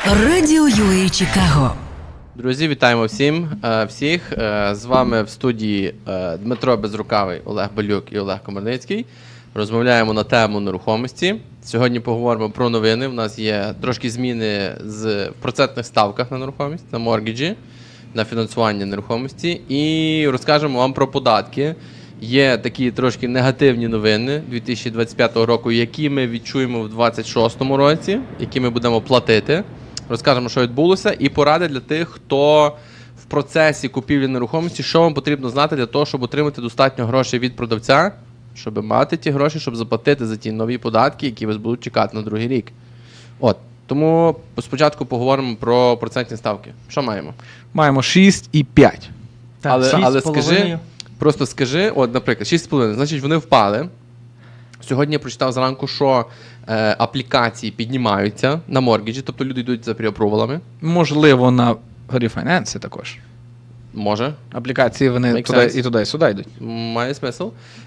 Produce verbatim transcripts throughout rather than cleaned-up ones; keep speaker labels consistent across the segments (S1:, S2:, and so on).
S1: Радіо ю ей Чикаго.
S2: Друзі, вітаємо всім, е, всіх. Е, З вами в студії е, Дмитро Безрукавий, Олег Балюк і Олег Комарницький. Розмовляємо на тему нерухомості. Сьогодні поговоримо про новини. У нас є трошки зміни з в процентних ставках на нерухомість, на моргіджі, на фінансування нерухомості. І розкажемо вам про податки. Є такі трошки негативні новини дві тисячі двадцять п'ятого року, які ми відчуємо в двадцять шостому році, які ми будемо платити. Розкажемо, що відбулося, і поради для тих, хто в процесі купівлі нерухомості, що вам потрібно знати для того, щоб отримати достатньо грошей від продавця, щоб мати ті гроші, щоб заплатити за ті нові податки, які вас будуть чекати на другий рік. От. Тому спочатку поговоримо про процентні ставки. Що маємо?
S3: Маємо шість і п'ять.
S4: Так,
S2: але
S4: шість
S2: але
S4: з половиною.
S2: скажи, просто скажи, от, наприклад, шість з половиною, значить вони впали. Сьогодні я прочитав зранку, що е, аплікації піднімаються на моргіджі, тобто люди йдуть за преапрувалами.
S3: Можливо, на рефінансі також.
S2: Може.
S3: Аплікації вони
S2: Make
S3: туди,
S2: sense.
S3: і туди, і сюди йдуть.
S2: Має смисл.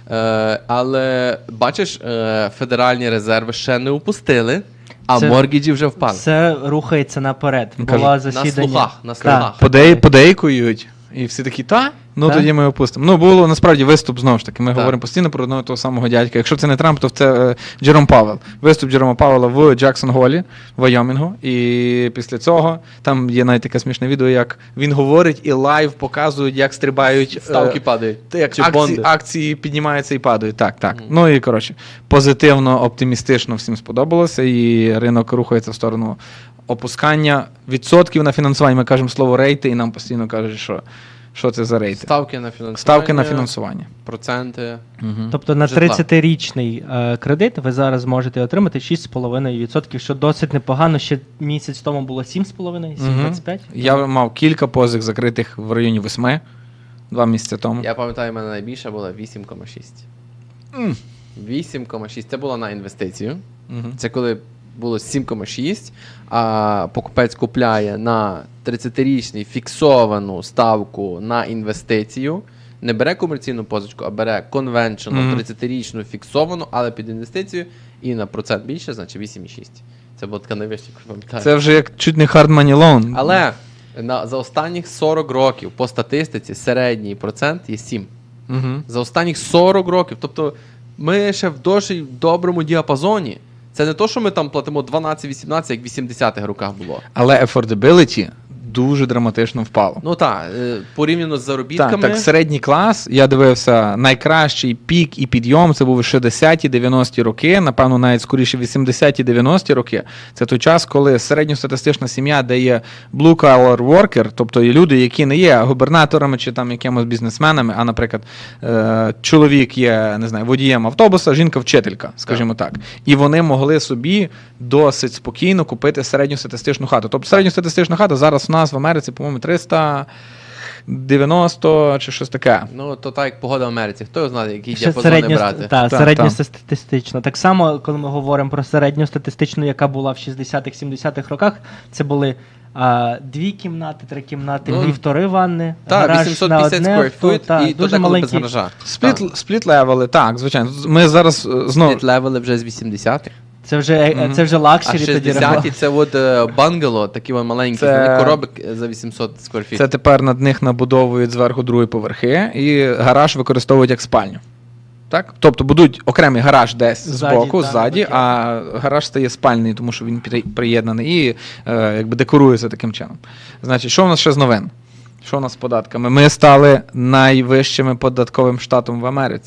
S2: Е, але, бачиш, е, федеральні резерви ще не упустили, а
S4: Це-
S2: моргіджі вже впали.
S4: Все рухається наперед.
S3: Ну,
S4: Було
S3: кажуть,
S2: На
S4: засідання.
S2: слухах, на
S4: Так.
S2: слухах.
S3: Подей, подейкують, і всі такі, та? Ну
S4: Та?
S3: тоді ми опустимо. Ну, було насправді виступ знову ж таки. Ми
S2: Так.
S3: говоримо постійно про одного того самого дядька. Якщо це не Трамп, то це е, Джером Павел. Виступ Джерома Павела в Джексон-Голі, в Вайомінгу. І після цього там є навіть таке смішне відео, як він говорить і лайв показують, як стрибають. е,
S2: Ставки падають.
S3: Та як
S2: Чи
S3: акції,
S2: бонди.
S3: акції піднімаються і падають. Так, так.
S2: Мгм.
S3: Ну і коротше, позитивно, оптимістично всім сподобалося, і ринок рухається в сторону опускання відсотків на фінансування. Ми кажемо слово рейти, і нам постійно кажуть, що, що це за рейти.
S2: Ставки на фінансування.
S3: Ставки на фінансування.
S2: Проценти.
S3: Угу.
S4: Тобто на
S2: Житла.
S4: тридцятирічний е, кредит ви зараз можете отримати шість з половиною відсотків, що досить непогано. Ще місяць тому було сім з половиною, сім двадцять п'ять.
S3: Я мав кілька позик закритих в районі восьми, два місяці тому.
S2: Я пам'ятаю, в мене найбільша була вісім цілих шість.
S3: М.
S2: вісім цілих шість. Це було на інвестицію.
S3: Мгм.
S2: Це коли було сім цілих шість, а покупець купляє на тридцятирічний фіксовану ставку на інвестицію. Не бере комерційну позичку, а бере конвеншену
S3: Мгм.
S2: тридцятирічну фіксовану, але під інвестицію, і на процент більше, значить вісім цілих шість. Це було така найвища, як пам'ятаю.
S3: Це вже як чуть не hard money loan.
S2: Але на, за останніх сорок років по статистиці середній процент є сім.
S3: Угу.
S2: За останніх сорок років. Тобто ми ще в досить доброму діапазоні. Це не то, що ми там платимо дванадцять-вісімнадцять, як в вісімдесятих роках було.
S3: Але affordability дуже драматично впало.
S2: Ну так, е, порівняно з заробітками.
S3: Так, так, середній клас, я дивився, найкращий пік і підйом, це були шістдесяті-дев'яності роки, напевно, навіть скоріше вісімдесяті-дев'яності роки. Це той час, коли середньостатистична сім'я, де є blue-collar worker, тобто є люди, які не є губернаторами чи там якимось бізнесменами, а, наприклад, е- чоловік є, не знаю, водієм автобуса, жінка вчителька, скажімо так. І вони могли собі досить спокійно купити середньостатистичну хату. Тобто середньостатистична хата зараз у нас в Америці, по-моєму, триста дев'яносто чи щось таке.
S2: Ну, то так, як погода в Америці. Хто його знає, які
S4: Ще
S2: діапазони
S4: середньо,
S2: брати?
S4: та,
S3: Та,
S4: середньостатистично. Так само, коли ми говоримо про середньостатистичну, яка була в шістдесятих-сімдесятих роках, це були а, дві кімнати, три кімнати,
S2: Ну,
S4: півтори ванни,
S2: Так,
S4: гараж
S2: вісімсот
S4: на
S2: п'ятдесят
S4: одне,
S2: square
S4: то,
S2: foot,
S4: та,
S2: і то
S4: дуже
S2: деколи без
S4: маленький.
S2: гаража.
S3: Спліт, спліт левели, так, звичайно. Ми зараз е, знову.
S2: Спліт левели вже з вісімдесятих.
S4: Це вже,
S3: Мгм.
S4: це вже
S2: А
S4: лакшері тоді.
S2: шістдесяті це от е, бангало, такі вони маленькі,
S3: Це-
S2: це... коробок за вісімсот сквер
S3: Це тепер над них набудовують зверху другі поверхи, і гараж використовують як спальню. Так? Тобто будуть окремий гараж десь
S4: Ззаді,
S3: збоку,
S4: так,
S3: ззаді,
S4: таке.
S3: а гараж стає спальний, тому що він при- приєднаний і е, якби декорується таким чином. Значить, що в нас ще з новин? Що в нас з податками? Ми стали найвищими податковим штатом в Америці.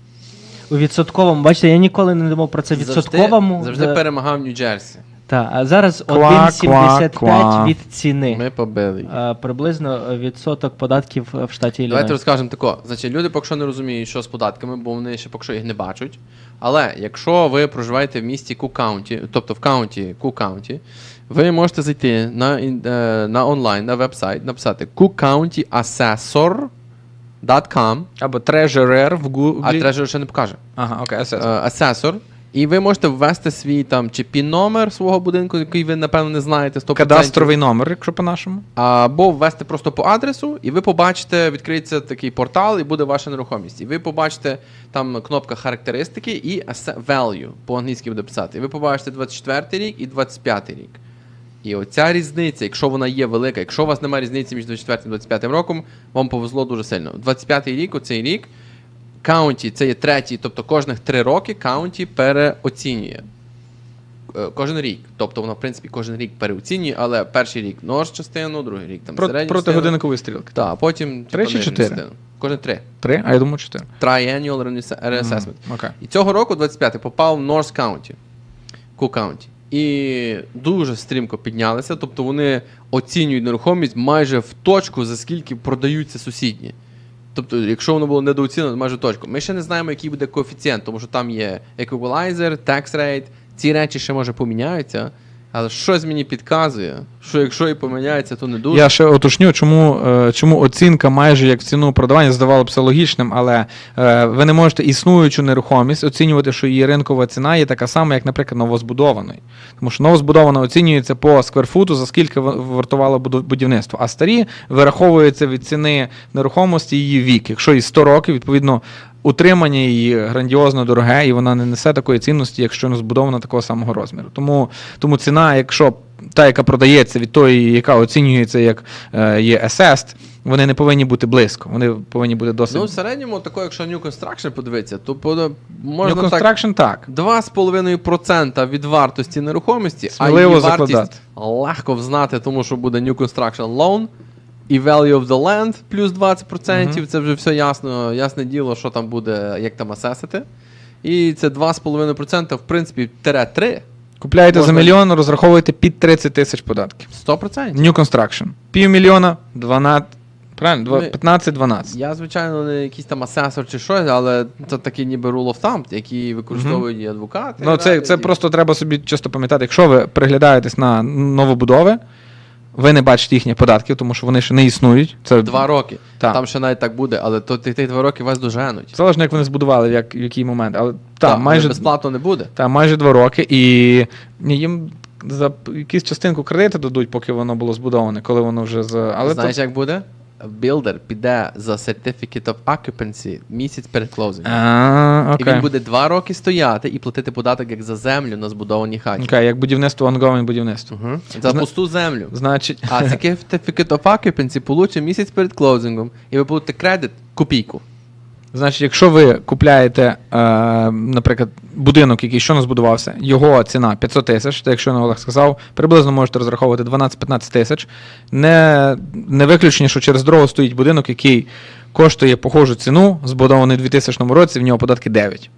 S4: У відсотковому, бачите, я ніколи не думав про це відсотковому.
S2: Завжди, завжди
S4: За-
S2: перемагав Нью-Джерсі.
S4: Та, а зараз
S3: Ква,
S4: один сімдесят
S3: ква,
S4: п'ять
S3: ква.
S4: від ціни.
S2: Ми побили їх.
S4: А, приблизно відсоток податків в штаті
S2: Давайте
S4: Іллінойс.
S2: розкажемо тако. Значить, люди поки що не розуміють, що з податками, бо вони ще поки що їх не бачать. Але якщо ви проживаєте в місті Кук-Каунті, тобто в каунті Кук-Каунті, ви можете зайти на, ін- е, на онлайн, на веб-сайт, написати cook county assessor dot com,
S3: Або treasurer в Google.
S2: а Treasurer ще не покаже.
S3: Ага, окей,
S2: Е,
S3: асес.
S2: Асесор. І ви можете ввести свій там чи пін-номер свого будинку, який ви, напевно, не знаєте сто відсотків.
S3: Кадастровий номер, якщо по-нашому.
S2: Або ввести просто по адресу, і ви побачите, відкриється такий портал, і буде ваша нерухомість. І ви побачите там кнопка характеристики і asset value, по-англійськи буде писати. І ви побачите двадцять четвертий рік і двадцять п'ятий рік. І оця різниця, якщо вона є велика, якщо у вас немає різниці між двадцять четвертим і двадцять п'ятим роком, вам повезло дуже сильно. двадцять п'ятий рік, оцей рік, каунті, це є третій, тобто кожних три роки каунті переоцінює. Е, Кожен рік. Тобто вона, в принципі, кожен рік переоцінює, але перший рік нож частину, другий рік там
S3: Про,
S2: середню
S3: проти
S2: частину.
S3: годинникової стрілки.
S2: Так, потім
S3: Три
S2: типу,
S3: чи
S2: нижню
S3: чотири?
S2: частину. Кожен три.
S3: Три? А я думаю, чотири.
S2: Triannual Reassessment.
S3: Мгм, окей.
S2: І цього року, двадцять п'ятий, попав в North County, Cook County. І дуже стрімко піднялися, тобто вони оцінюють нерухомість майже в точку, за скільки продаються сусідні. Тобто, якщо воно було недооцінено, майже в точку. Ми ще не знаємо, який буде коефіцієнт, тому що там є equalizer, tax rate, ці речі ще може поміняються, але щось мені підказує, що якщо і поміняється, то не дуже.
S3: Я ще уточню, чому, е, чому оцінка майже як в ціну продавання здавалося б логічним, але е, ви не можете існуючу нерухомість оцінювати, що її ринкова ціна є така сама, як, наприклад, новозбудованої. Тому що новозбудована оцінюється по скверфуту, за скільки в- вартувало буду- будівництво, а старі вираховуються від ціни нерухомості її вік. Якщо їй сто років, відповідно, утримання її грандіозно дороге, і вона не несе такої цінності, якщо не збудована такого самого розміру. Тому, тому ціна, якщо та, яка продається від тої, яка оцінюється як е, є assessed, вони не повинні бути близько, вони повинні бути досить...
S2: Ну, в середньому, тако, якщо New Construction подивитися, то пода-
S3: New
S2: можна так
S3: Construction так.
S2: два з половиною відсотка від вартості нерухомості, а
S3: Сміливо
S2: її
S3: закладати.
S2: вартість легко взнати, тому що буде New Construction Loan і Value of the Land плюс двадцять відсотків, це вже все ясно, ясне діло, що там буде, як там асесити. І це два з половиною відсотка, в принципі, тире три,
S3: Купляєте
S2: Можна-
S3: за мільйон, розраховуєте під тридцять тисяч податків.
S2: сто відсотків.
S3: New Construction. Півмільйона, дванадцять, правильно, Два-
S2: Ми-
S3: п'ятнадцять-дванадцять.
S2: Я, звичайно, не якийсь там асесор чи щось, але це такий ніби rule of thumb, який використовують і адвокати.
S3: Ну, це, це
S2: і-
S3: просто треба собі часто пам'ятати. Якщо ви приглядаєтесь на новобудови, ви не бачите їхніх податків, тому що вони ще не існують. Це
S2: Два роки.
S3: Так.
S2: Там ще навіть так буде, але то тих тих два роки вас доженуть.
S3: залежно, як вони збудували, в, як, в який момент. Але
S2: Так,
S3: та,
S2: але
S3: майже,
S2: безплатно не буде.
S3: та, майже два роки. І їм за якусь частинку кредиту дадуть, поки воно було збудоване, коли воно вже за. Але
S2: Знаєш,
S3: то...
S2: як буде? Білдер піде за Certificate of Occupancy місяць перед клоузингом.
S3: А,
S2: І
S3: окей.
S2: він буде два роки стояти і платити податок як за землю на збудованій хаті.
S3: Окей, як будівництво, ongoing будівництво.
S2: Угу. За
S3: Зна-
S2: пусту землю.
S3: Значить,
S2: А Certificate of Occupancy получить місяць перед клоузингом, і ви будете кредит копійку.
S3: Значить, якщо ви купляєте, е, наприклад, будинок, який щойно збудувався, його ціна п'ятсот тисяч, так як щойно Олег сказав, приблизно можете розраховувати дванадцять-п'ятнадцять тисяч. Не, не виключення, що через дорогу стоїть будинок, який коштує похожу ціну, збудований у дві тисячному році, в нього податки дев'ять.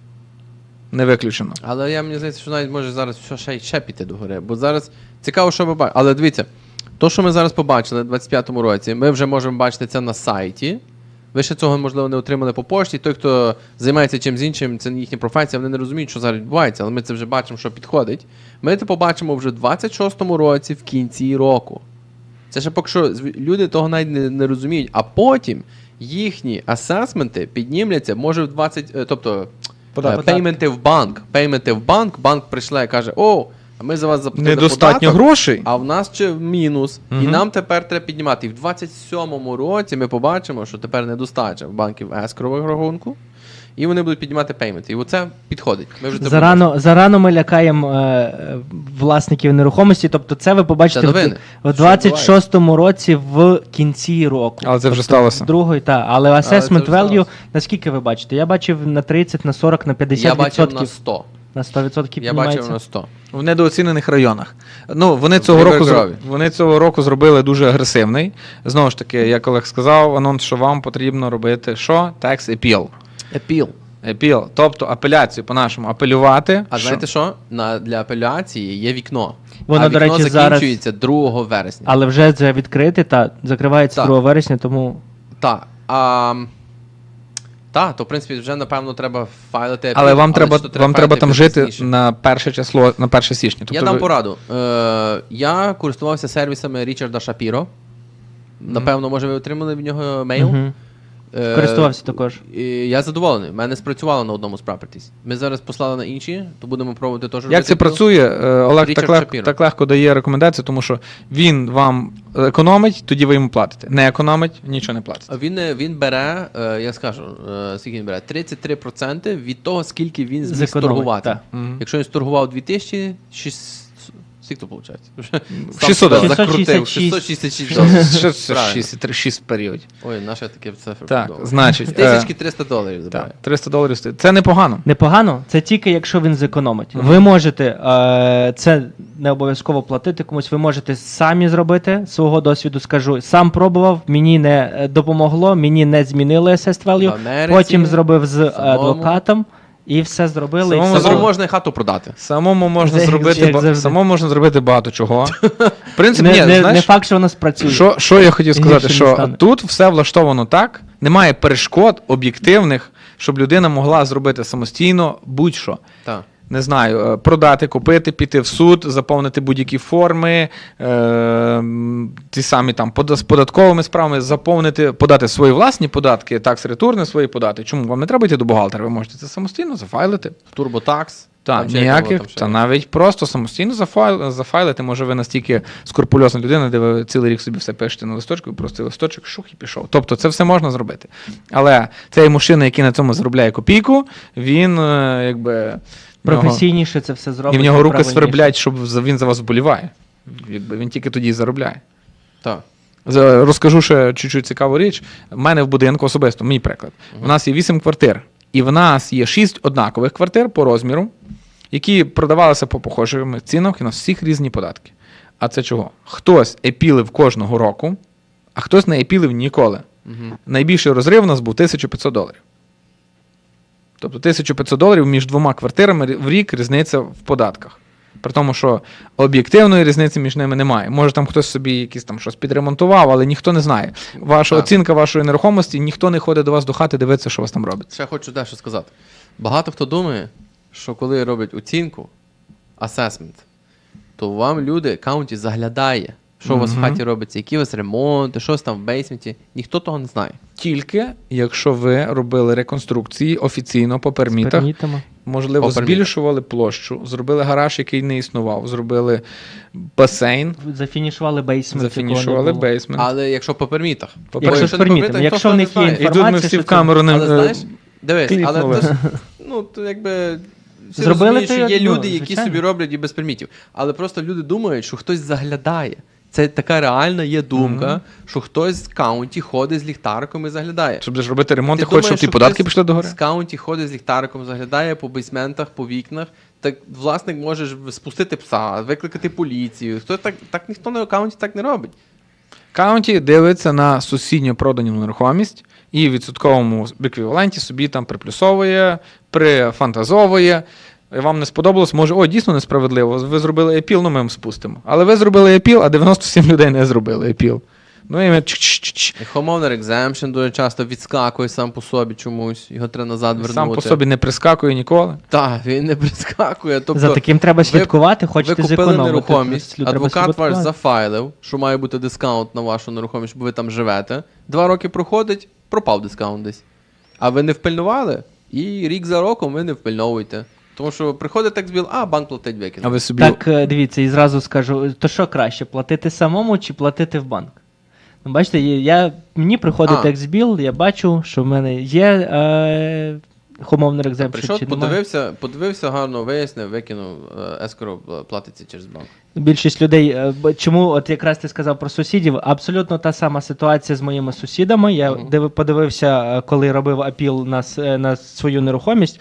S3: Не виключено.
S2: Але я мені здається, що навіть може зараз все ще, ще піти до гори. Бо зараз цікаво, що ви бачите. Але дивіться, то, що ми зараз побачили у двадцять п'ятому році, ми вже можемо бачити це на сайті. Ви ще цього, можливо, не отримали по пошті. Той, хто займається чимось іншим, це не їхня професія, вони не розуміють, що зараз відбувається, але ми це вже бачимо, що підходить. Ми це побачимо вже в двадцять шостому році, в кінці року. Це ще поки що зв- люди того навіть не, не розуміють. А потім їхні асесменти піднімляться, може в двадцять, е, тобто
S3: Податок.
S2: е, пейменти в банк. Пейменти в банк, банк прийшла і каже: о, а ми за вас заплатили
S3: Недостатньо
S2: податок,
S3: грошей.
S2: а в нас ще мінус. І
S3: Мгм.
S2: нам тепер треба піднімати. І в двадцять сьомому році ми побачимо, що тепер недостача в банків ескрового рахунку, і вони будуть піднімати пейменти. І оце підходить. Ми вже це
S4: Зарано, зарано ми лякаємо е, власників нерухомості, тобто це ви побачите
S2: Це
S4: в,
S2: новини.
S4: в
S2: Що
S4: двадцять шостому році в кінці року.
S3: Але це вже
S4: Тобто
S3: сталося.
S4: Другої, та, але
S2: це
S4: assessment
S2: вже
S4: value,
S2: сталося.
S4: наскільки ви бачите? Я бачив на тридцять, на сорок, на п'ятдесят
S2: Я бачив
S4: відсотків.
S2: на сто.
S4: На сто відсотків
S2: Я
S4: піднімається.
S2: бачив на сто.
S3: В недооцінених районах. Ну, вони цього, року, зро...
S2: Рівергрові.
S3: вони цього року зробили дуже агресивний. Знову ж таки, як Олег сказав, анонс, що вам потрібно робити що? Tax appeal.
S2: Епіл.
S3: Appeal, тобто апеляцію по-нашому апелювати.
S2: А
S3: що-
S2: знаєте що? На, для апеляції є вікно.
S4: Воно,
S2: а
S4: до
S2: вікно
S4: речі, зараз-
S2: закінчується другого вересня.
S4: Але вже це відкрите та закривається
S2: Так.
S4: другого вересня, тому
S2: Так. А, та, то в принципі вже напевно треба файлити.
S3: Але
S2: апіл,
S3: вам треба,
S2: що
S3: вам треба
S2: файлити
S3: там жити
S2: пізніше.
S3: на перше число, на перше січня. Тобто
S2: Я дам
S3: ви-
S2: пораду. Е, я користувався сервісами Річарда Шапіро. Напевно, може, ви отримали від нього мейл.
S4: Мгм.
S2: Е,
S4: користувався також.
S2: І я задоволений. У мене спрацювало на одному з properties. Ми зараз послали на інші, то будемо пробувати теж.
S3: Як
S2: робити
S3: це
S2: апіл.
S3: працює? Е, Олег
S2: Річард
S3: так, легко,
S2: Шапіро.
S3: так легко дає рекомендації, тому що він вам економить, тоді ви йому платите. Не економить, нічого не платите.
S2: Він, е, він бере, е, я скажу, е, скільки він бере? тридцять три відсотки від того, скільки він зміг
S4: Зекономить,
S2: сторгувати.
S4: так.
S3: Мгм.
S2: Якщо він сторгував дві тисячі, скільки то виходить?
S3: шістсот доларів.
S2: Закрутив.
S4: шістсот
S2: шістсот шістдесят шість доларів.
S3: Що це
S2: Правильно.
S3: шість, шість періодів?
S2: Ой, наше таке цифри.
S3: Так,
S2: подобається.
S3: значить,
S2: З тисячки
S3: е,
S2: триста доларів забирає.
S3: так, триста доларів стоїть. Це непогано.
S4: Непогано, це тільки якщо він зекономить.
S3: Мгм.
S4: Ви можете е, це не обов'язково платити комусь, ви можете самі зробити, свого досвіду скажу. Сам пробував, мені не е, допомогло, мені не змінили assessed
S2: В
S4: value,
S2: Америці
S4: потім зробив з
S2: самому.
S4: адвокатом і все зробили.
S3: Самому
S4: і все
S2: Самому
S3: зробив.
S4: було.
S2: можна і хату продати.
S3: Самому можна
S4: Як
S3: зробити ба-
S4: завжди.
S3: самому можна зробити багато чого. В принципі,
S4: не,
S3: ні,
S4: не,
S3: знаєш,
S4: не факт, що воно спрацює.
S3: Що, що я хотів сказати,
S4: Гірше не
S3: що
S4: стане.
S3: тут все влаштовано так, немає перешкод об'єктивних, щоб людина могла зробити самостійно будь-що.
S2: Так.
S3: Не знаю, е, продати, купити, піти в суд, заповнити будь-які форми, е, м, ті самі там пода- з податковими справами, заповнити, подати свої власні податки, такс-ретурни свої подати. Чому? Вам не треба йти до бухгалтера, ви можете це самостійно зафайлити.
S2: Турботакс.
S3: Так,
S2: Там ще як
S3: ніяких,
S2: воно там ще
S3: та
S2: є.
S3: навіть просто самостійно зафайл, зафайлити. Може, ви настільки скрупульозна людина, де ви цілий рік собі все пишете на листочку, і просто листочок шух і пішов. Тобто це все можна зробити. Але цей мужчина, який на цьому заробляє копійку, він е, якби. в нього-
S4: Професійніше це все зробить.
S3: І в нього руки
S4: правильніше.
S3: сверблять, щоб за- він за вас вболіває. Якби він тільки тоді і заробляє.
S2: Так.
S3: За- Розкажу ще чуть-чуть цікаву річ. У мене в будинку особисто, мій приклад. У нас є вісім квартир, і в нас є шість однакових квартир по розміру, які продавалися по похожих цінах, і у нас всіх різні податки. А це чого? Хтось епілив кожного року, а хтось не епілив ніколи.
S2: Угу.
S3: Найбільший розрив у нас був тисяча п'ятсот доларів. Тобто тисяча п'ятсот доларів між двома квартирами в рік різниця в податках. При тому, що об'єктивної різниці між ними немає. Може там хтось собі якісь там щось підремонтував, але ніхто не знає. Ваша
S2: Так.
S3: оцінка вашої нерухомості, ніхто не ходить до вас до хати дивитися, що у вас там робиться.
S2: Ще хочу дещо сказати. Багато хто думає, що коли роблять оцінку, асесмент, то вам люди, каунті заглядає, що у вас в
S3: Мгм.
S2: хаті робиться, які у вас ремонти, щось там в бейсменті. Ніхто того не знає.
S3: Тільки якщо ви робили реконструкції офіційно по пермітах,
S4: Пермітами.
S3: можливо,
S2: По пермітах.
S3: збільшували площу, зробили гараж, який не існував, зробили басейн,
S4: Зафінішували бейсмент.
S3: зафінішували
S4: якого не було.
S3: бейсмент.
S2: Але якщо по пермітах.
S3: По
S4: Якщо
S3: пермітах.
S4: з пермітами, якщо в них є
S3: І тут ми
S4: інформація,
S3: всі
S4: що
S3: в
S4: це-
S3: камеру не
S2: Але знаєш,
S3: е,
S2: дивись, але
S3: кліпнули.
S2: це ж, ну, то якби. Всі
S4: Зробили
S2: розуміють, що
S4: то,
S2: є
S4: ну,
S2: люди, які
S4: звичайно.
S2: собі роблять і без пермітів. Але просто люди думають, що хтось заглядає. Це така реальна є думка,
S3: Мгм.
S2: що хтось з каунті ходить з ліхтариком і заглядає.
S3: Щоб ж робити ремонт, ти
S2: Ти
S3: хочеш, щоб
S2: думаєш,
S3: ті
S2: що
S3: податки
S2: хтось
S3: пішли догори?
S2: З каунті ходить з ліхтариком, заглядає по бейсментах, по вікнах. Так власник може ж спустити пса, викликати поліцію. Хто так, так ніхто на каунті так не робить.
S3: Каунті дивиться на сусідньо продану нерухомість і в відсотковому еквіваленті собі там приплюсовує, прифантазовує. І вам не сподобалось, може, о, дійсно несправедливо, ви зробили епіл, ну ми вам спустимо. Але ви зробили епіл, а дев'яносто сім людей не зробили епіл. Ну і ми чч-чч-чч.
S2: І homeowner exemption дуже часто відскакує сам по собі чомусь, його треба назад вернути.
S3: Сам по собі не прискакує ніколи.
S2: Так, він не прискакує. Тобто,
S4: За таким треба
S2: ви-
S4: слідкувати, хочете
S2: ви купили
S4: зекономити.
S2: нерухомість,
S4: Треба
S2: адвокат ваш
S4: слідкувати.
S2: зафайлив, що має бути дискаунт на вашу нерухомість, бо ви там живете. Два роки проходить, пропав дискаунт десь. А ви не впильнували, і рік за роком ви не впильновуєте. Тому що приходить текстбіл, а банк платить
S3: А
S2: викинув.
S3: ви собі
S4: Так, е, дивіться, і зразу скажу, то що краще, платити самому чи платити в банк? Ну, бачите, є- я, мені приходить
S2: А.
S4: текстбіл, я бачу, що в мене є е, homeowner exemption
S2: Прийшов,
S4: чи немає.
S2: подивився, подивився, гарно вияснив, викинув, ескоро платиться через банк.
S4: Більшість людей, е, б- чому от якраз ти сказав про сусідів, абсолютно та сама ситуація з моїми сусідами. Я
S2: Мгм.
S4: див- подивився, е, коли робив апіл на, с- на свою нерухомість,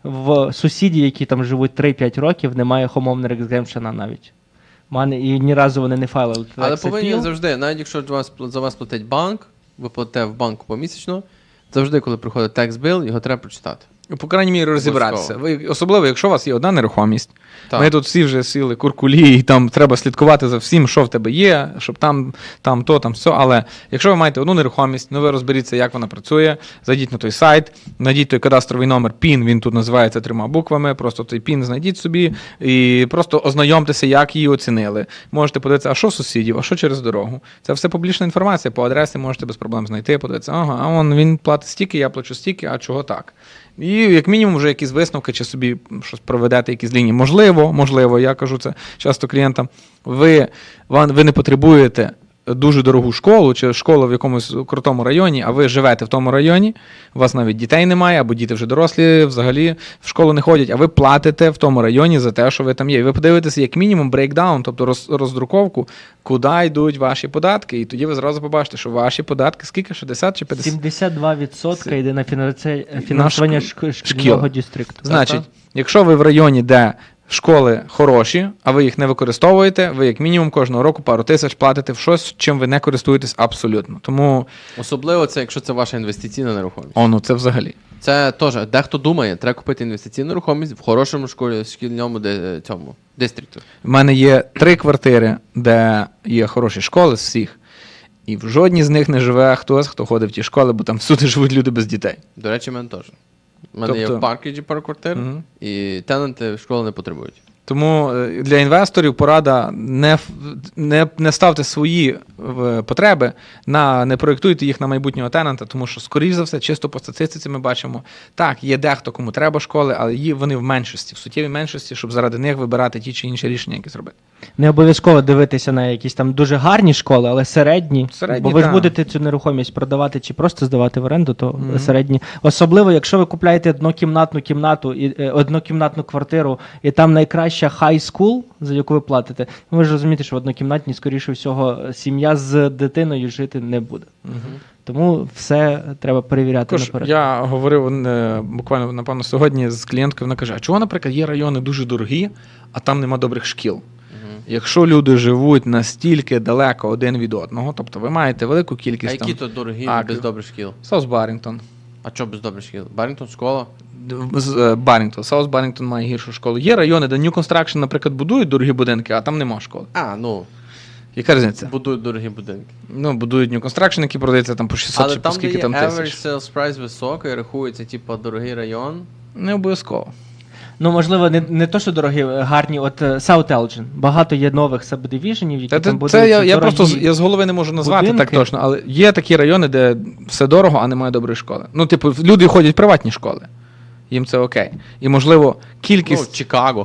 S4: в сусіді, які там живуть три-п'ять років, немає homeowner exemption навіть. В мене і ні разу вони не файлили.
S2: Але
S4: tax
S2: повинні
S4: appeal.
S2: завжди, навіть якщо за вас, за вас платить банк, ви платите в банку помісячно, завжди, коли приходить текст-біл, його треба прочитати.
S3: по крайній мірі розібратися. Ви, особливо, якщо у вас є одна нерухомість.
S2: Так.
S3: Ми тут всі вже сіли куркулі, і там треба слідкувати за всім, що в тебе є, щоб там, там то, там все. Але якщо ви маєте одну нерухомість, ну ви розберіться, як вона працює, зайдіть на той сайт, знайдіть той кадастровий номер пін, він тут називається трьома буквами, просто той пін знайдіть собі і просто ознайомтеся, як її оцінили. Можете подивитися, а що сусідів, а що через дорогу. Це все публічна інформація, по адресі можете без проблем знайти, подивитися, ага, а он, він платить стільки, я плачу стільки, а чого так? І як мінімум вже якісь висновки, чи собі щось проведете, якісь лінії. Можливо, можливо, я кажу це часто клієнтам, ви, вам- ви не потребуєте дуже дорогу школу, чи школу в якомусь крутому районі, а ви живете в тому районі, у вас навіть дітей немає, або діти вже дорослі, взагалі в школу не ходять, а ви платите в тому районі за те, що ви там є. І ви подивитеся, як мінімум, брейкдаун, тобто роз, роздруковку, куди йдуть ваші податки, і тоді ви зразу побачите, що ваші податки, скільки, шістдесят чи п'ятдесят?
S4: сімдесят два відсотки йде на фінанси- фінансування
S3: На
S4: шк- шкільного дистрікту.
S3: Значить, якщо ви в районі, де школи хороші, а ви їх не використовуєте, ви як мінімум кожного року пару тисяч платите в щось, чим ви не користуєтесь абсолютно. Тому,
S2: Особливо це, якщо це ваша інвестиційна нерухомість.
S3: о, ну це взагалі.
S2: Це теж, дехто думає, треба купити інвестиційну нерухомість в хорошому школі, шкільному де, цьому, дистрікту.
S3: В мене є три квартири, де є хороші школи з всіх, і в жодній з них не живе хтось, хто ходить в ті школи, бо там всюди живуть люди без дітей.
S2: До речі, в мене теж. У мене є
S3: Тобто-
S2: в Паркіджі пару квартир,
S3: Мгм.
S2: і тенанти школи не потребують.
S3: Тому е, для інвесторів порада не, ф- не, не ставте свої е, потреби, на, не проєктуйте їх на майбутнього тенанта, тому що, скоріш за все, чисто по статистиці ми бачимо, так, є дехто, кому треба школи, але є, вони в меншості, в суттєвій меншості, щоб заради них вибирати ті чи інші рішення, які зробити.
S4: Не обов'язково дивитися на якісь там дуже гарні школи, але середні.
S3: Середні,
S4: бо ви ж
S3: так.
S4: будете цю нерухомість продавати чи просто здавати в оренду, то
S3: Мгм.
S4: середні. Особливо, якщо ви купляєте однокімнатну кімнату, і, е, однокімнатну квартиру, і там найкраща high school, за яку ви платите, ви ж розумієте, що в однокімнатній, скоріше всього, сім'я з дитиною жити не буде. Тому все треба перевіряти
S3: Також
S4: наперед.
S3: я говорив е, буквально, напевно, сьогодні з клієнткою, вона каже, а чого, наприклад, є райони дуже дорогі, а там нема добрих шкіл? Якщо люди живуть настільки далеко один від одного, тобто ви маєте велику
S2: А
S3: кількість
S2: які
S3: там...
S2: то дорогі
S3: А,
S2: без
S3: крім-
S2: добрих шкіл?
S3: Саус Баррінгтон.
S2: А що без добрих шкіл? Баррінгтон школа?
S3: З е, Баррінгтон. Саус Баррінгтон має гіршу школу. Є райони, де New Construction, наприклад, будують дорогі будинки, а там нема школи.
S2: А, ну,
S3: Яка різниця?
S2: будують дорогі будинки.
S3: Ну, будують New Construction, які продаються там по шістсот
S2: Але
S3: чи по
S2: там, де
S3: скільки
S2: є
S3: там
S2: average
S3: тисяч.
S2: sales price високий, рахується, типу, дорогий район.
S3: Не обов'язково.
S4: Ну, можливо, не, не то, що дорогі, гарні, от е, South Elgin. Багато є нових сабдивіженів, які
S3: Та,
S4: там
S3: це,
S4: будуть
S3: це я, я
S4: дорогі.
S3: просто з- я з голови не можу назвати
S4: будинки.
S3: так точно, але є такі райони, де все дорого, а немає доброї школи. Ну, типу, люди ходять в приватні школи. Їм це окей. І, можливо,
S2: Ну,
S3: кількість...
S2: Чикаго.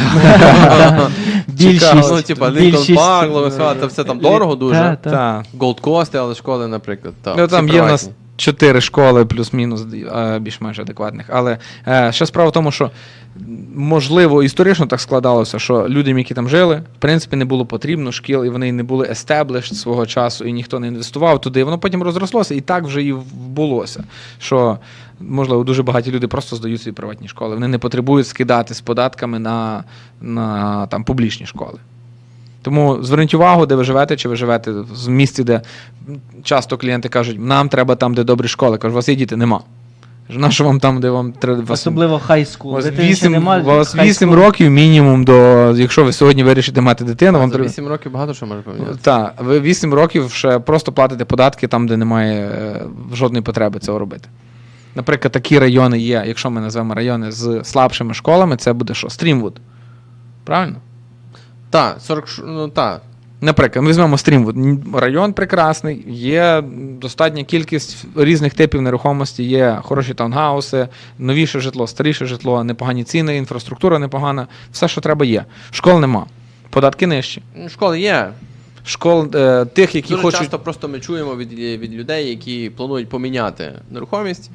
S4: Більшість,
S2: Ну, типа, Лінкольн
S4: більшість,
S2: Парк,
S4: е,
S2: Лоуесвелл, це все там
S4: лі-
S2: дорого дуже.
S4: та, та.
S3: Та.
S2: Голд Кости, але школи, наприклад. Та,
S3: Ну,
S2: всі
S3: там є в нас
S2: приватні.
S3: чотири школи плюс-мінус е, більш-менш адекватних. Але е, ще справа в тому, що можливо історично так складалося, що людям, які там жили, в принципі, не було потрібно шкіл, і вони не були established свого часу, і ніхто не інвестував туди. І воно потім розрослося, і так вже і вбулося. Що, можливо, дуже багаті люди просто здають свої приватні школи. Вони не потребують скидати з податками на, на там, публічні школи. Тому зверніть увагу, де ви живете, чи ви живете в місті, де часто клієнти кажуть, нам треба там, де добрі школи. Кажу, у вас є діти? Нема. Кажу, на що вам там, де вам треба...
S4: Особливо high school.
S3: У вас
S4: Дитини ще
S3: вісім,
S4: нема,
S3: у вас
S4: high
S3: вісім
S4: school.
S3: років мінімум до, якщо ви сьогодні вирішите мати дитину, вам
S2: За
S3: треба...
S2: вісім років багато що може поміняти.
S3: Так, ви вісім років ще просто платите податки там, де немає е, жодної потреби цього робити. Наприклад, такі райони є, якщо ми назвемо райони з слабшими школами, це буде що? Стрімвуд. Правильно?
S2: Так, сорок, ш- ну так.
S3: Наприклад, ми візьмемо Стрімвуд. Н- Район прекрасний, є достатня кількість різних типів нерухомості, є хороші таунхауси, новіше житло, старіше житло, непогані ціни, інфраструктура непогана, все, що треба, є. Школ нема. Податки нижчі.
S2: Ну, школи є.
S3: Школ е, тих, які
S2: Дуже
S3: хочуть...
S2: часто просто ми чуємо від, від людей, які планують поміняти нерухомість.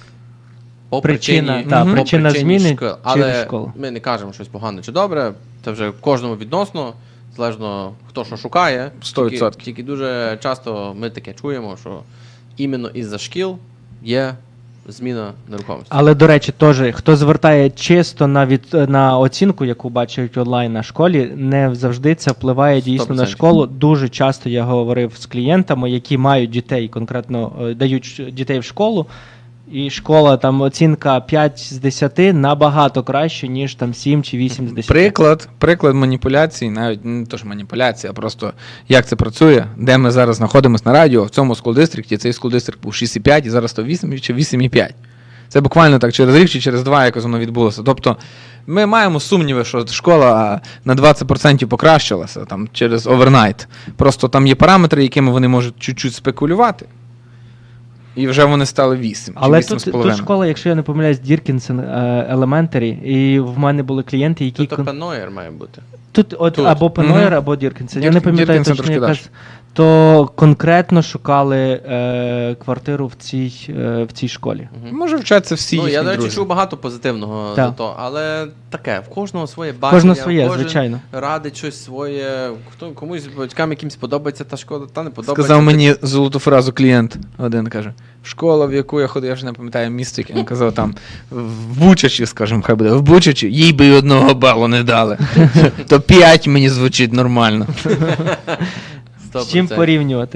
S2: По
S4: Причина,
S2: причині,
S4: та,
S2: по
S4: причина
S2: причині
S4: зміни
S2: шкіл.
S4: через
S2: Але
S4: школу.
S2: ми не кажемо щось погане чи добре. Це вже кожному відносно, залежно хто що шукає.
S3: сто
S2: Тільки,
S3: відсотків.
S2: тільки дуже часто ми таке чуємо, що іменно із-за шкіл є зміна нерухомості.
S4: Але, до речі, теж, хто звертає чисто на, від, на оцінку, яку бачать онлайн на школі, не завжди це впливає дійсно
S2: сто
S4: на
S2: відсотків.
S4: школу. Дуже часто я говорив з клієнтами, які мають дітей, конкретно е, дають ш- дітей в школу, і школа, там оцінка п'ять з десяти набагато краще, ніж там сім чи вісім з десяти.
S3: Приклад, приклад маніпуляцій, навіть не то, що маніпуляція, а просто як це працює, де ми зараз знаходимося на радіо, в цьому скул-дистрикті, цей скул-дистрикт був шість і п'ять, і зараз то вісім чи вісім і п'ять. Це буквально так через рік чи через два якось воно відбулося. Тобто ми маємо сумніви, що школа на двадцять відсотків покращилася там, через овернайт. Просто там є параметри, якими вони можуть чуть-чуть спекулювати. І вже вони стали вісім.
S4: Але
S3: чи вісім
S4: тут,
S3: з
S4: тут
S3: половиною.
S4: школа, якщо я не помиляюсь, Діркінсен Елементарі, і в мене були клієнти, які...
S2: Тут
S4: кон-
S2: Пенойер має бути.
S4: Тут от
S2: Тут.
S4: або Пенойер,
S3: Мгм.
S4: або Діркінсен. Я
S3: Дір-
S4: не пам'ятаю
S3: Діркінсен
S4: точно,
S3: трошки
S4: яка...
S3: далі.
S4: з- то конкретно шукали е, квартиру в цій, е, в цій школі.
S3: Може вчаться всі
S2: Ну,
S3: їхні
S2: я, до речі,
S3: друзі.
S2: чув багато позитивного
S4: Так.
S2: за то, але таке, в кожного своє бачення,
S4: Кожного своє,
S2: кожен
S4: звичайно.
S2: радить щось своє, хто, комусь батькам якимсь подобається та школа, та не подобається.
S3: Сказав мені золоту фразу клієнт один, каже, школа, в яку я ходив, я вже не пам'ятаю місто, яке він казав там, в Бучачі, скажімо, хай буде, в Бучачі, їй би й одного балу не дали. То п'ять мені звучить нормально.
S2: сто
S4: З чим
S2: відсотків.
S4: порівнювати?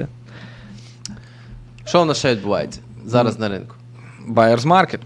S2: Що в нас ще відбувається зараз на ринку?
S3: Buyer's market.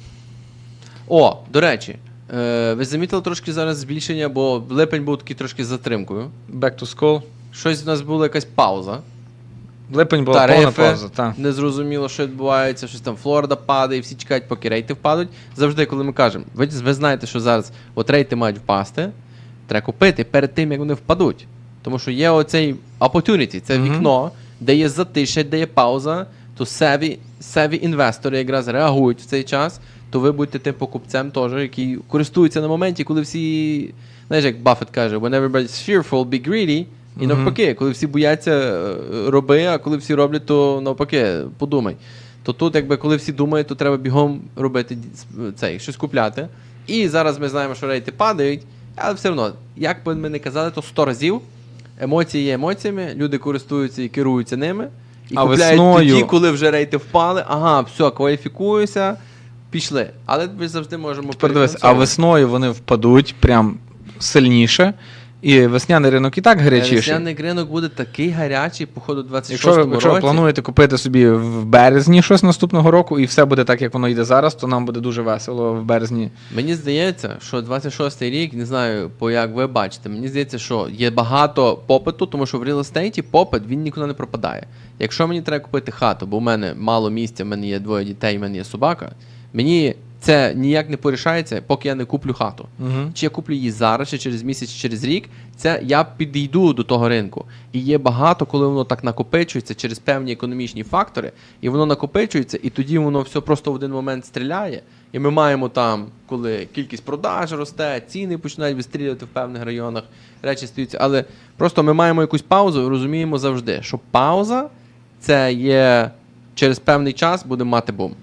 S2: О, до речі, е, ви замітили трошки зараз збільшення, бо липень був такий трошки з затримкою.
S3: Back to school.
S2: Щось у нас була якась пауза.
S3: Липень була повна
S2: Тарифи,
S3: пауза, так.
S2: незрозуміло, що відбувається, щось там Флорида падає, всі чекають, поки рейти впадуть. Завжди, коли ми кажемо, ви, ви знаєте, що зараз от рейти мають впасти, треба купити перед тим, як вони впадуть. Тому що є оцей opportunity, це
S3: Мгм.
S2: вікно, де є затишя, де є пауза, то savvy, savvy інвестори якраз реагують в цей час, то ви будете тим покупцем теж, який користується на моменті, коли всі, знаєш, як Баффет каже, when everybody's fearful, be greedy. І
S3: Мгм.
S2: навпаки, коли всі бояться, е, роби, а коли всі роблять, то навпаки, подумай. То тут, якби коли всі думають, то треба бігом робити ді- цей, щось купляти. І зараз ми знаємо, що рейти падають, але все одно, як би ми не казали, то сто разів емоції є емоціями, люди користуються і керуються ними. І
S3: А
S2: купляють
S3: весною-
S2: тоді, коли вже рейти впали, ага, все, кваліфікуюся, пішли. Але ми завжди можемо
S3: Тепер дивись, а
S2: перефінансовувати.
S3: весною вони впадуть прям сильніше, і весняний ринок і так гарячіший.
S2: Весняний ринок буде такий гарячий, походу, двадцять
S3: Якщо ви,
S2: шостому
S3: якщо ви
S2: році.
S3: плануєте купити собі в березні щось наступного року, і все буде так, як воно йде зараз, то нам буде дуже весело в березні.
S2: Мені здається, що двадцять шостий рік, не знаю, по як ви бачите, мені здається, що є багато попиту, тому що в реал-естейті попит, він нікуди не пропадає. Якщо мені треба купити хату, бо в мене мало місця, в мене є двоє дітей, в мене є собака, мені це ніяк не порішається, поки я не куплю хату.
S3: Угу.
S2: Чи я куплю її зараз, чи через місяць, чи через рік, це я підійду до того ринку. І є багато, коли воно так накопичується через певні економічні фактори, і воно накопичується, і тоді воно все просто в один момент стріляє. І ми маємо там, коли кількість продаж росте, ціни починають вистрілювати в певних районах, речі стаються. Але просто ми маємо якусь паузу і розуміємо завжди, що пауза це є через певний час буде мати бум.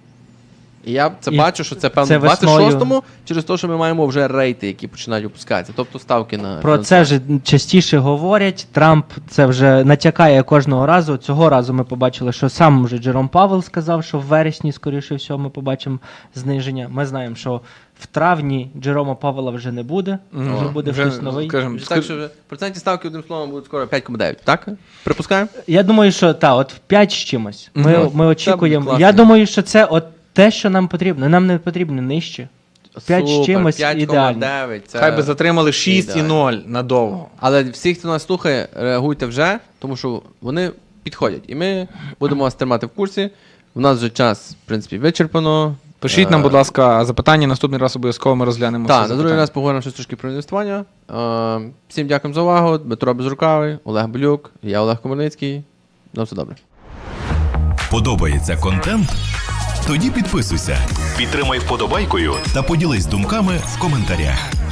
S2: І я це
S4: І
S2: бачу, що це певно
S4: це
S2: в двадцять
S4: весною.
S2: шостому через те, що ми маємо вже рейти, які починають опускатися, тобто ставки на
S4: Про це вже частіше говорять. Трамп це вже натякає кожного разу. Цього разу ми побачили, що сам вже Джером Павел сказав, що в вересні, скоріше всього, ми побачимо зниження. Ми знаємо, що в травні Джерома Павела вже не буде,
S3: Мгм.
S4: вже буде
S3: Вже,
S4: хтось новий.
S3: скажімо,
S2: Вже так, що вже процентні ставки, одним словом, будуть скоро п'ять цілих дев'ять, так? Припускаємо?
S4: Я думаю, що так, от в п'ять з чимось. Ми,
S3: Мгм.
S4: ми очікуємо.
S2: класно.
S4: Я думаю, що це от те, що нам потрібно. Нам не потрібно нижче. П'ять з
S2: Супер,
S4: чимось
S2: п'ять цілих
S4: ідеально.
S2: дев'ять, це...
S3: Хай би затримали шість і
S2: ідеально.
S3: ноль надовго.
S2: Але всі, хто нас слухає, реагуйте вже, тому що вони підходять. І ми будемо вас тримати в курсі. У нас вже час, в принципі, вичерпано.
S3: Пишіть нам,
S2: Е,
S3: будь ласка, запитання, наступний раз обов'язково ми розглянемо.
S2: Так,
S3: всі
S2: на другий
S3: запитання.
S2: раз поговоримо щось трошки про інвестування. Е, Всім дякуємо за увагу. Дмитро Безрукавий, Олег Белюк, я Олег Комарницький. На все добре.
S5: Подобається контент? Тоді підписуйся, підтримай вподобайкою та поділись думками в коментарях.